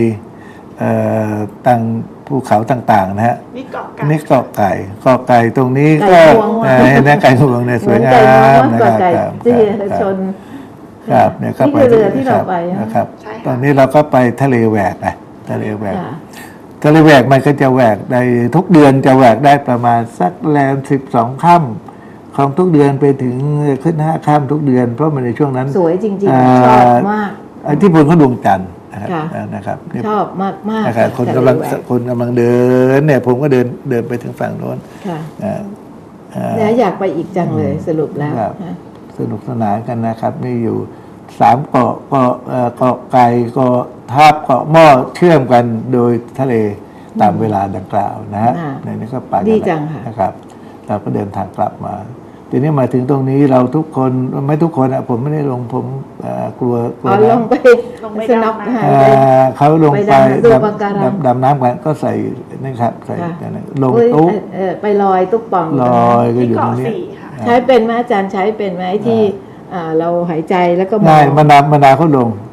Speaker 1: ตั้งภูเขาต่างๆนะฮะ
Speaker 3: นี่เกาะไก่
Speaker 1: นี่เกาะไก่ตรงนี้
Speaker 2: ไก่
Speaker 1: ก็
Speaker 2: งวงว่ะ
Speaker 1: เห็นไหมไก่งวงเนี่ยสวยงาม
Speaker 2: เหมือน
Speaker 1: นะ
Speaker 2: ไก่
Speaker 1: ครับ
Speaker 2: ไก่
Speaker 1: ครับ
Speaker 2: ที่
Speaker 1: ครับ
Speaker 2: ชน
Speaker 1: ครับเนี่ยก็
Speaker 2: นี่
Speaker 1: ไป
Speaker 2: คือเรือที่เราไป
Speaker 1: นะครับ
Speaker 3: ใช่ค่ะ
Speaker 1: ตอนนี้เราก็ไปทะเลแหวกนะทะเลแหวก
Speaker 2: ค่ะ
Speaker 1: ทะเลแหวกมันก็จะแหวกในทุกเดือนจะแหวกได้ประมาณสักแรม12 ค่ำของทุกเดือนไปถึงขึ้น5 ค่ำทุกเดือนเพราะมันในช่วงนั้น
Speaker 2: สวยจริงๆชอบมาก
Speaker 1: ที่บนเขาดวงจันทร์นะครับ
Speaker 2: ค่ะ
Speaker 1: นะครับนี่
Speaker 2: ชอบมากมาก
Speaker 1: นะครับคนกำลังเดินเนี่ยผมก็เดินไปถึงฝั่งโน้น
Speaker 2: ค่ะ
Speaker 1: อ่า
Speaker 2: แล้วอยากไปอีกจังเลยสรุปแล้ว
Speaker 1: ครับ
Speaker 2: ค่ะ
Speaker 1: สนุกสนานกันนะครับนี่อยู่3 เกาะเกาะไก่เกาะทับเกาะหม้อเชื่อมกันโดยทะเลตามเวลาดังกล่าวนะฮะในนี้ก็ไปกัน
Speaker 2: ดีจังค่ะ
Speaker 1: นะครับเราก็เดินทางกลับมา ทีนี้มาถึงตรงนี้เราทุกคนไม่ทุกคนอะผมไม่ได้ลงผมกลัว
Speaker 2: อ๋อลงไป
Speaker 3: ลงไป
Speaker 2: สน็อก
Speaker 3: ดำน้ำ
Speaker 2: หาย
Speaker 1: เอ่
Speaker 2: ไป
Speaker 1: เขาลงไป
Speaker 2: ไปดูปะการัง
Speaker 1: ดำน้ำกันก็ใส่นี่ครับใส่
Speaker 2: ค่ะ
Speaker 1: ลง
Speaker 2: อุ๊ย
Speaker 1: ตุ๊ก
Speaker 2: ไปลอยตุ๊กป่อง
Speaker 1: ลอยก็
Speaker 3: ที่
Speaker 1: อยู่ตร
Speaker 3: เกาะ
Speaker 1: งนี้
Speaker 3: สี่ค่ะ
Speaker 2: ใช้เป็นไหมอาจารย์ใช้เป็นไหมที่เราหายใจแล้วก็มอ
Speaker 1: ง่าย
Speaker 2: ง
Speaker 1: มานาวเขาลง
Speaker 3: หนู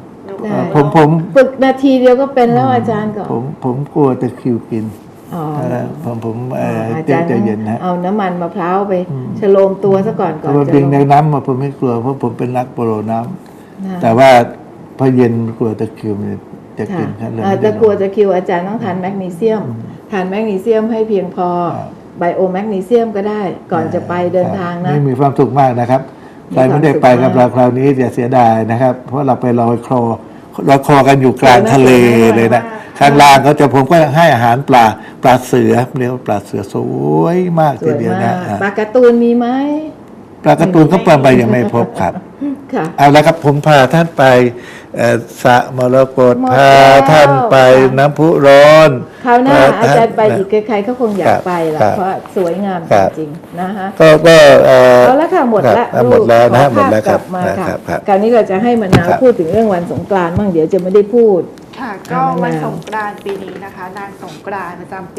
Speaker 2: ได้
Speaker 1: ผม
Speaker 2: ฝึกนาทีเดียวก็เป็นแล้วอาจารย์ก่อน
Speaker 1: ผมกลัวตะคริวกิน
Speaker 2: อ๋อ
Speaker 1: ผม
Speaker 2: อา
Speaker 1: ใจ
Speaker 2: จารย์
Speaker 1: เย็นนะ
Speaker 2: เอาน้ำมันมะพร้าวไปฉโลมตัวซะก่อน
Speaker 1: เพราะว่า
Speaker 2: จะ
Speaker 1: เพียง
Speaker 2: ล
Speaker 1: ใน
Speaker 2: ง
Speaker 1: น้ำมาผมไม่กลัวเพราะผมเป็นนักโปโลน้ำ
Speaker 2: นะ
Speaker 1: แต่ว่าพอเย็นกลัวตะคริวมันจะ
Speaker 2: ค่ะ
Speaker 1: กินครับเลย
Speaker 2: อ่า
Speaker 1: ไม่ได้
Speaker 2: ตะกลัวจะคิวอาจารย์ต้องทานแมกนีเซียม ทานแมกนีเซียมให้เพียงพอ
Speaker 1: ครับ
Speaker 2: ไบโอแมกนีเซียมก็ได้ก่อนจะไปเดินทางนะ
Speaker 1: นี่มีความสุขมากนะครับใครไม่ได้ไปกับเราคราวนี้อย่าเสียดายนะครับ เพราะเราไปลอยคอกันอยู่กลางทะเลเลยนะข้างล่างเขาจะผมก็ให้อาหารปลาเสือเรียกว่าปลาเสือสวยมาก
Speaker 2: ส
Speaker 1: ที
Speaker 2: วย
Speaker 1: เดียว
Speaker 2: มา
Speaker 1: นะ
Speaker 2: กปลาการ์ตูนมีไหม
Speaker 1: ปลาการ์ตูนเขาไปยังไม่พบครับ
Speaker 2: ค่ะ
Speaker 1: เอาละครับผมพาท่านไปสระมรกต
Speaker 2: หมด
Speaker 1: พา
Speaker 2: แล้ว
Speaker 1: ท่านไป
Speaker 2: ค่ะ
Speaker 1: น้ำพุร้อน
Speaker 2: คราวหน้า
Speaker 1: พ
Speaker 2: อาจารย์
Speaker 1: ท่น
Speaker 2: ไปอีกใครๆก็คงอยากไปละ
Speaker 1: ครับ
Speaker 2: เพราะสวยงาม
Speaker 1: ค
Speaker 2: จ
Speaker 1: รับ
Speaker 2: ริงๆนะคะ
Speaker 1: ก็
Speaker 2: เอาละค่ะหมดละ
Speaker 1: หมดแล้วนะ
Speaker 2: ขอ
Speaker 1: หมดแล้ว
Speaker 2: ภาพ
Speaker 1: ค
Speaker 2: ก
Speaker 1: รั
Speaker 2: ลั
Speaker 1: บบ
Speaker 2: มาค่ะ
Speaker 1: ครับ
Speaker 2: คราวนี้เราจะให้มะนาว
Speaker 1: ครับ
Speaker 2: พูดถึงเรื่องวันสงกรานต์บ้างเดี๋ยวจะไม่ได้พูด
Speaker 3: ค่ะก็
Speaker 2: อ่า
Speaker 3: วัน
Speaker 2: มะนาว
Speaker 3: สงกรานต์ปีนี้นะคะ นางสงกรานต์ประจำปี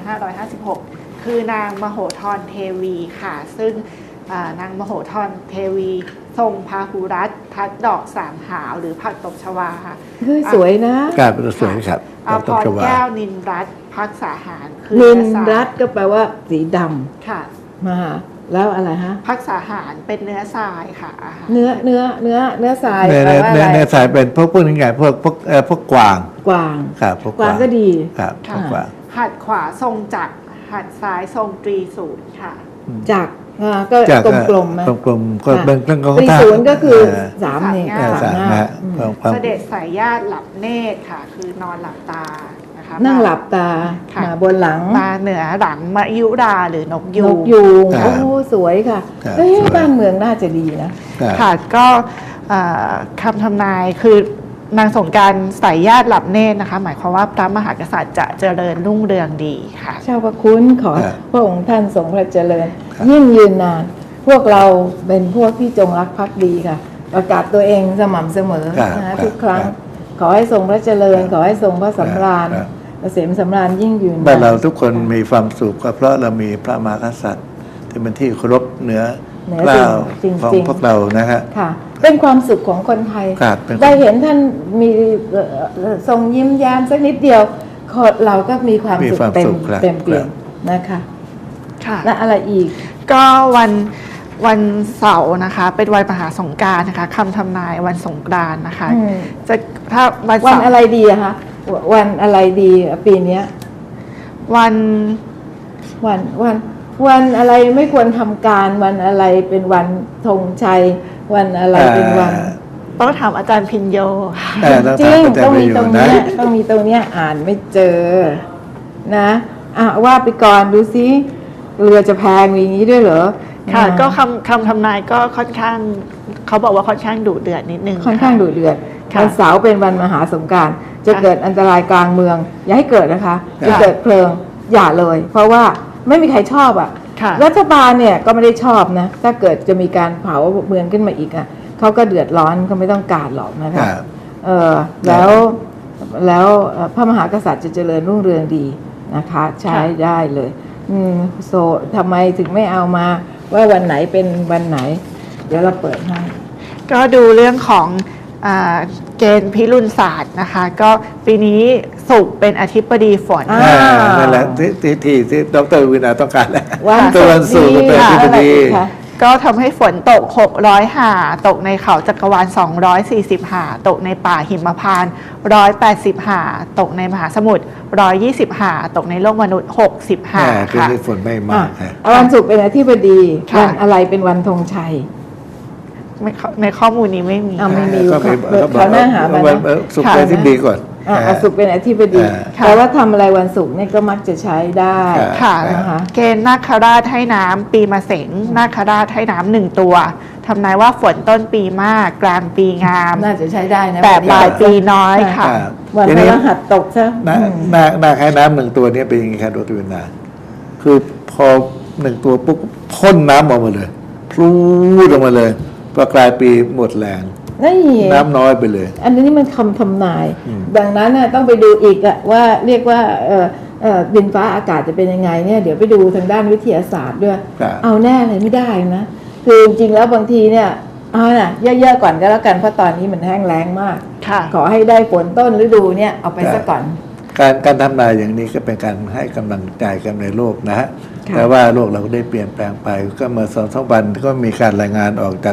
Speaker 3: 2556 คือนางมโหธรเทวีค่ะ ซึ่งนางมโหธรเทวีทรงพาหุรัตน์ทัดดอกสามหาวหรือผักตบชวาค่ะ
Speaker 2: เฮ้ยสวยนะ
Speaker 1: การเป็นสวยครับ
Speaker 3: อาพ
Speaker 1: ต้อง
Speaker 3: ร
Speaker 1: ชวา
Speaker 3: แก้วนินรัตน์พักษาหารคือ
Speaker 2: นิน
Speaker 3: เอสาย
Speaker 2: รัตก็แปลว่าสีด
Speaker 3: ค่ะ
Speaker 2: ำมาแล้วอะไรฮะ
Speaker 3: พักษาหารเป็นเนื้อทรายค่ะอาหาร
Speaker 2: เนื้อทราย
Speaker 1: เนื้อ
Speaker 2: แปลว่าอะไร
Speaker 1: เนื้อสายเป็นพวกนี้ไงพวกกวาง
Speaker 2: กวาง
Speaker 1: ครับพวก
Speaker 2: กวางก็ดี
Speaker 1: ครับพ
Speaker 3: ค่ะ
Speaker 1: วกกวาง
Speaker 3: หัดขวาทรงจักรหัดซ้ายทรงตรีศูนย์ค่ะ
Speaker 2: จากก็
Speaker 1: จาก
Speaker 2: กลมๆนะ
Speaker 1: กลมๆก็เป็นเรื่องของ
Speaker 2: ตรีศูนย์ก็คือสามนี่
Speaker 3: สาม
Speaker 1: สาม
Speaker 2: หน้า
Speaker 1: นะฮะ
Speaker 2: อืม
Speaker 1: ความ
Speaker 3: เสด็จสายญาติหลับเนตรค่ะ คือนอนหลับตานะคะ
Speaker 2: นั่งหลับตา
Speaker 3: ค่ะ
Speaker 2: มาบนหลัง
Speaker 3: มาเหนือหลังมยุราหรือนกยู
Speaker 2: น
Speaker 3: ง
Speaker 2: กยูง
Speaker 1: ครับ
Speaker 2: โอ้สวยค่ะ
Speaker 1: ครับ
Speaker 2: เฮ้ย
Speaker 1: สวย
Speaker 2: บ้านเมืองน่าจะดีนะ
Speaker 1: ครับ
Speaker 3: ค่ะก็คำทำนายคือนางสงกรานต์สายญาติหลับเนตรนะคะ หมายความว่าพระมหากษัตริย์จะเจริญรุ่งเรืองดีค่ะ
Speaker 2: เจ้าพระคุณขอ
Speaker 1: ครับ
Speaker 2: พระองค์ท่านทรงพระเจริญ
Speaker 1: ครับ
Speaker 2: ยิ่งยืนนาน พวกเราเป็นพวกที่จงรักภักดีค่ะ ประกาศตัวเองสม่ำเสมอ
Speaker 1: ครับ
Speaker 2: นะครับ ทุกครั้ง
Speaker 1: ครับ
Speaker 2: ขอให้ทรงพระเจริญ ขอให้ทรงพระสำราญ
Speaker 1: ครับ
Speaker 2: เกษมสำราญยิ่งยืน
Speaker 1: บ้านเรา
Speaker 2: นาน
Speaker 1: ทุกคนมีความสุขก็เพราะเรามีพระมหากษัตริย์ที่เป็นที่เคารพเหนือ
Speaker 2: เหนือ
Speaker 1: เกล้า
Speaker 2: สิ่ง
Speaker 1: ของ
Speaker 2: จริง
Speaker 1: พวกเรานะฮะ
Speaker 2: ค่ะ เป็นความสุขของคนไทย
Speaker 1: ครับเป็นความ
Speaker 2: ได้เห็นท่านมีทรงยิ้มแย้มสักนิดเดียวเราก็มีความ
Speaker 1: มี
Speaker 2: สุข
Speaker 1: ความ
Speaker 2: เต็ม
Speaker 1: สุขครับ
Speaker 2: เต็มเปี่ยม
Speaker 1: ครับ
Speaker 2: นะคะ
Speaker 3: ค่ะ
Speaker 2: และอะไรอีก
Speaker 3: ก็วันเสาร์นะคะ เป็นวันมหาสงกรานต์นะคะคำทำนายวันสงกรานต์นะคะ
Speaker 2: อืม
Speaker 3: จะถ้าวัน
Speaker 2: วัน
Speaker 3: เสาร์
Speaker 2: อะไรดีอะคะวันอะไรดีปีเนี้ย
Speaker 3: วัน
Speaker 2: วันอะไรไม่ควรทำการวันอะไรเป็นวันธงชัย วันอะไรเป็นวัน
Speaker 3: ต้องถามอาจารย์พินโยค่ะ
Speaker 1: ต้อง
Speaker 2: จริง
Speaker 1: ถามอาจาร
Speaker 2: ต้อง
Speaker 1: ย์
Speaker 2: มี
Speaker 1: ไปอยู่
Speaker 2: ตรง
Speaker 1: นะ
Speaker 2: เนี้ยต้องมีตรงเนี้ยอ่านไม่เจอนะว่าไปก่อนดูซิเรือจะแพงมีอย่างนี้ด้วยเหรอ
Speaker 3: ค่ะ
Speaker 2: อ่า
Speaker 3: ก็คำทำนายก็ค่อนข้างเขาบอกว่าค่อนข้างดุเดือดนิดนึง
Speaker 2: ค่อนข้าง
Speaker 3: ะ
Speaker 2: ดุเดือด
Speaker 3: ค่ะ
Speaker 2: วันเสาร์เป็นวันมหาสงกรานต์จะ
Speaker 3: ค่ะ
Speaker 2: เกิดอันตรายกลางเมือง อย่าให้เกิดนะคะ
Speaker 1: ค่ะ
Speaker 2: จะเกิดเพลิงอย่าเลย เพราะว่าไม่มีใครชอบอ่ะ
Speaker 3: ค่ะ
Speaker 2: รัฐบาลเนี่ยก็ไม่ได้ชอบนะ ถ้าเกิดจะมีการเผาเมืองขึ้นมาอีกอ่ะเขาก็เดือดร้อนเขาไม่ต้องการหรอกนะ
Speaker 1: ค
Speaker 2: คะ
Speaker 1: รับ
Speaker 2: แล้วพระมหากษัตริย์จะเจริญรุ่งเรืองดีนะคะ ใช้ได้เลยโซทำไมถึงไม่เอามาว่าวันไหนเป็นวันไหน เดี๋ยวเราเปิดให้
Speaker 3: ก็ดูเรื่องของเกณฑ์พิรุณศาสตร์นะคะ ก็ปีนี้ศุกร์เป็นอธิบดีฝน
Speaker 2: อ่า
Speaker 1: นั่นแหละที่ดรวินาต้องการแหละ
Speaker 2: วัน
Speaker 1: ตัววันศุกร์ก็เป็น
Speaker 2: ค่ะ
Speaker 1: ที่พอดี
Speaker 2: อะไรอีกคะ
Speaker 3: ก็ทำให้ฝนตก 600 หา ตกในเขาจักรวาล 240 หา ตกในป่าหิมพานต์ 180 หา ตกในมหาสมุทร 120 หา ตกในโลกมนุษย์ 60 หา
Speaker 1: คือ
Speaker 3: ค่ะ
Speaker 1: ฝนไม่มากฮะ
Speaker 2: วันศุกร์เป็นอธิบดี
Speaker 3: ค่ะ
Speaker 2: วันอะไรเป็นวันธงชัย
Speaker 3: ในข้อมูลนี้ไม่มี
Speaker 2: ไม่มี
Speaker 1: ก็
Speaker 2: เขาหน้าหามานะ
Speaker 1: สุขเป็นที่ดีก่อน
Speaker 2: ศุกร์เป็นอธิบดี
Speaker 3: ค่ะ
Speaker 2: แต่ว่าทำอะไรวันศุกร์เนี่ยก็มักจะใช้ได้
Speaker 3: ค่ะ
Speaker 2: นะคะ
Speaker 3: เกณฑ์นาคราชให้น้ำปีมะเสงนาคราชให้น้ำ1 ตัวทำนายว่าฝนต้นปีมาก กลางปีงาม
Speaker 2: น่าจะใช้ได้นะ
Speaker 3: แต่
Speaker 2: วันนี้
Speaker 3: ปลายปีน้อยค่ะ
Speaker 2: วัน
Speaker 1: ที
Speaker 2: พ
Speaker 1: นี้
Speaker 2: ฤหัสตกซะ
Speaker 1: นาคายน้ำหนึ่งตัวนี้เป็นยังไงครับดรวินาคือพอหนึ่งตัวปุ๊บพ่นน้ำออกมาเลยพลูดออกมาเลยพอกลายปีหมดแรง
Speaker 2: นี่
Speaker 1: น้ำน้อยไปเลย
Speaker 2: อันนี้มันคำทำนาย ดังนั้นน่ะต้องไปดูอีกอะว่าเรียกว่าดินฟ้าอากาศจะเป็นยังไงเนี่ยเดี๋ยวไปดูทางด้านวิทยาศาสตร์ด้วย
Speaker 1: ครับ
Speaker 2: เอาแน่เลยไม่ได้นะคือจริงๆแล้วบางทีเนี่ยเอาน่ะเยอะๆก่อนก็แล้วกันเพราะตอนนี้มันแห้งแล้งมาก
Speaker 3: ค่ะ
Speaker 2: ขอให้ได้ฝนต้นฤดูเนี่ยเอาไปซะก่อน
Speaker 1: การทำนายอย่างนี้ก็เป็นการให้กำลังใจกันในโลกนะฮะ
Speaker 2: ค่ะ
Speaker 1: แต่ว่าโลกเราก็ได้เปลี่ยนแปลงไปก็เมื่อ2-3 วันก็มีการรายงานออกจาก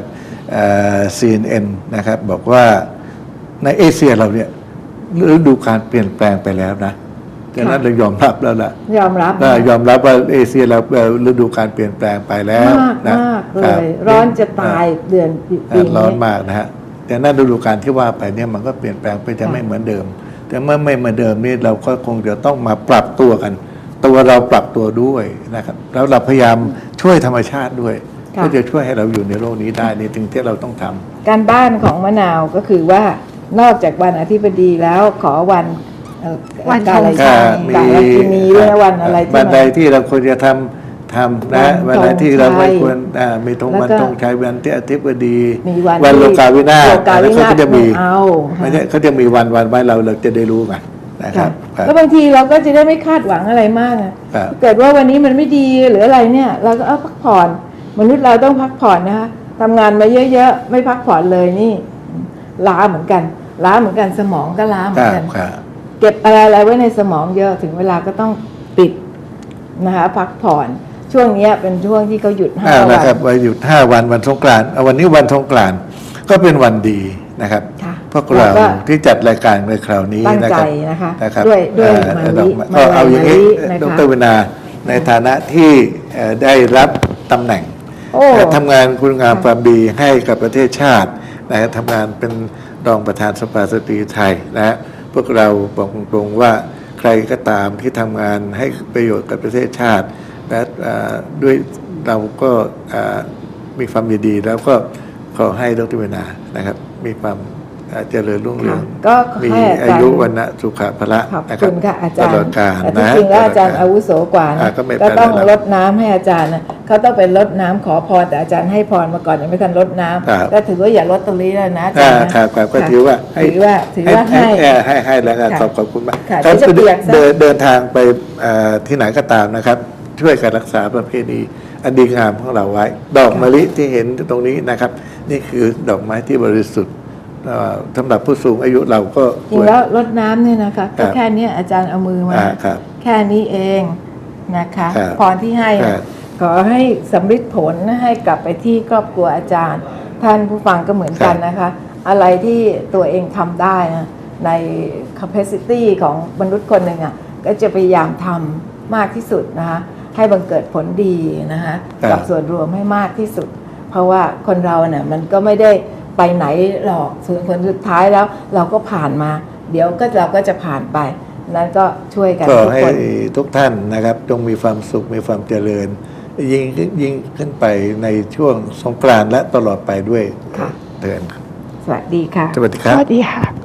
Speaker 1: CNN นะครับบอกว่าในเอเชียเราเนี่ยฤดูการเปลี่ยนแปลงไปแล้วนะดังนั้นเรายอมรับแล้วล่ะ
Speaker 2: ยอมรับ
Speaker 1: ยอมรับว่าเอเชียเราฤดูการเปลี่ยนแปลงไปแล้ว
Speaker 2: มาก
Speaker 1: นะ
Speaker 2: มากเล
Speaker 1: ครับ
Speaker 2: ย ร้อนจะตายเดือนปี
Speaker 1: ร้อ
Speaker 2: นี้
Speaker 1: นมากนะฮะแต่นั้นฤดูกาลที่ว่าไปเนี่ยมันก็เปลี่ยนแปลงไปจะไม่เหมือนเดิม แต่เมื่อไม่เหมือนเดิมนี่เราก็คงจะต้องมาปรับตัวกัน ตัวเราปรับตัวด้วยนะครับแล้วเราพยายามช่วยธรรมชาติด้วย
Speaker 2: ค่ะ
Speaker 1: เพื่อจะช่วยให้เราอยู่ในโลกนี้ได้นี่ถึงที่เราต้องทำ
Speaker 2: การบ้านของมะนาวก็คือว่านอกจากวันอธิบดีแล้วขอวัน
Speaker 3: วัน
Speaker 2: กาล
Speaker 3: ธงชั
Speaker 2: ชาย ติกาลกินีด้วยนะวันอะไรที่
Speaker 1: วันใด
Speaker 2: มัน
Speaker 1: ที่เราควรจะทำนะ
Speaker 2: วั
Speaker 1: วัน
Speaker 2: น
Speaker 1: ใดที่เราไม่ควร
Speaker 2: ธงชัย
Speaker 1: มีธง
Speaker 2: แล้ว
Speaker 1: วัน
Speaker 2: ก็
Speaker 1: ธงชัยวันที่อธิบดี
Speaker 2: มีวัน
Speaker 1: วันโลกาวินาศ
Speaker 2: โลกาวินาศ
Speaker 1: เขาจะมี
Speaker 2: เอา
Speaker 1: ไม่ใช่เขาจะมีวันไว้เราจะได้รู้กันนะครับ
Speaker 2: แล้วบางทีเราก็จะได้ไม่คาดหวังอะไรมากนะครับ เกิดว่าวันนี้มันไม่ดีหรืออะไรเนี่ยเราก็พักผ่อนมนุษย์เราต้องพักผ่อนนะคะทำงานมาเยอะๆไม่พักผ่อนเลยนี่ล้าเหมือนกันสมองก็ล้าเหมือนกัน
Speaker 1: ครับ
Speaker 2: เก็บอะไรไว้ในสมองเยอะถึงเวลาก็ต้องปิดนะคะพักผ่อนช่วงเนี้ยเป็นช่วงที่เขาหยุด5 วั
Speaker 1: นะ
Speaker 2: น
Speaker 1: ครับวันหยุด5 วันวันสงกรานต์วันนี้วันสงกรานต์ก็เป็นวันดีนะครับ
Speaker 2: ค่ะ
Speaker 1: พวกเรา
Speaker 2: แล้วก็
Speaker 1: ที่จัดรายการในคราวนี้
Speaker 2: ตั้ง
Speaker 1: นะ
Speaker 2: ใจ
Speaker 1: ครับ
Speaker 2: นะคะ
Speaker 1: รับ
Speaker 2: ด้วย
Speaker 1: ดอก
Speaker 2: มา
Speaker 1: ก็เอาอย่างนี้
Speaker 2: นะ
Speaker 1: ด
Speaker 2: คะ
Speaker 1: รวินาในฐานะที่ได้รับตำแหน่ง
Speaker 2: โอ้
Speaker 1: ทำงานคุณงามความดีให้กับประเทศชาตินะฮะทำงานเป็นรองประธานสภาสตรีไทยนะฮะพวกเราบอกตรงๆว่าใครก็ตามที่ทำงานให้ประโยชน์กับประเทศชาติและด้วยเราก็มีความยินดีแล้วก็ขอให้ดรวินานะครับมีความเจริญรุ่งเรือง
Speaker 2: ก็ขอ
Speaker 1: มี
Speaker 2: ให้อาจารย์
Speaker 1: อายุวันนะสุขภละ
Speaker 2: ขอบ
Speaker 1: นะค
Speaker 2: คุ
Speaker 1: รับ
Speaker 2: ณค่ะอาจาร
Speaker 1: ต
Speaker 2: ย์
Speaker 1: ลอดกาล
Speaker 2: แต่
Speaker 1: นะ
Speaker 2: ที่จริงแล้วอาจารย์
Speaker 1: ตลดก
Speaker 2: อาวุโสกว่านะ
Speaker 1: ก็ไม่
Speaker 2: ก็ต้อง
Speaker 1: เป็นไร
Speaker 2: รดน้ำให้อาจารย์นะเขาต้องเป็นรดน้ำขอพรแต่อาจารย์ให้พรมาก่อนยังไม่ทันรดน้
Speaker 1: ครับ
Speaker 2: ำก็ถือว่าอย่ารดตรงนี้แล้วนะอาจารย์นะ
Speaker 1: ครับก็ถือว่าให้
Speaker 2: ถือว่าให้
Speaker 1: แล้วกัน
Speaker 2: ค่ะ
Speaker 1: ขอบคุณมาก
Speaker 2: ค่ะ
Speaker 1: ครับ
Speaker 2: เดี๋ยวจะเปียกซะ
Speaker 1: เดินทางไปที่ไหนก็ตามนะครับ ช่วยกันรักษาประเพณีอันดีงามของเราไว้ ดอกมะลิที่เห็นตรงนี้นะครับ นี่คือดอกไม้ที่บริสุทธิ์สำหรับผู้สูงอายุเราก็
Speaker 2: จริงแล้วรดน้ำเนี่ยนะคะ
Speaker 1: ครั
Speaker 2: ก็
Speaker 1: บ
Speaker 2: แค่เนี้ยอาจารย์เอามือมา
Speaker 1: ครับ
Speaker 2: แค่นี้เองนะคะ
Speaker 1: ครับ
Speaker 2: พรที่ให้
Speaker 1: ครั
Speaker 2: นะ
Speaker 1: บ
Speaker 2: ขอให้สำฤทธิ์ผลให้กลับไปที่ครอบครัวอาจารย์ ท่านผู้ฟังก็เหมือนกันนะคะ อะไรที่ตัวเองทำได้นะใน capacity ของมนุษย์คนหนึ่งอ่ะก็จะพยายามทำมากที่สุดนะคะให้บังเกิดผลดีนะคะกับส่วนรวมให้มากที่สุด เพราะว่าคนเราเนี่ยมันก็ไม่ได้ไปไหนหรอกส่วนผลสุดท้ายแล้วเราก็ผ่านมา เดี๋ยวก็เราก็จะผ่านไปนั้นก็ช่วยกัน
Speaker 1: ก็
Speaker 2: ทุก
Speaker 1: ให้
Speaker 2: คน
Speaker 1: ทุกท่านนะครับจงมีความสุขมีความเจริญ ยิ่งขึ้นไปในช่วงสงกรานต์และตลอดไปด้วย
Speaker 2: ค่ะ
Speaker 1: เถิด
Speaker 2: สวัสดีค่ะ
Speaker 1: สวัสดีค
Speaker 3: ส
Speaker 1: รับ
Speaker 3: วัสดีค่ะ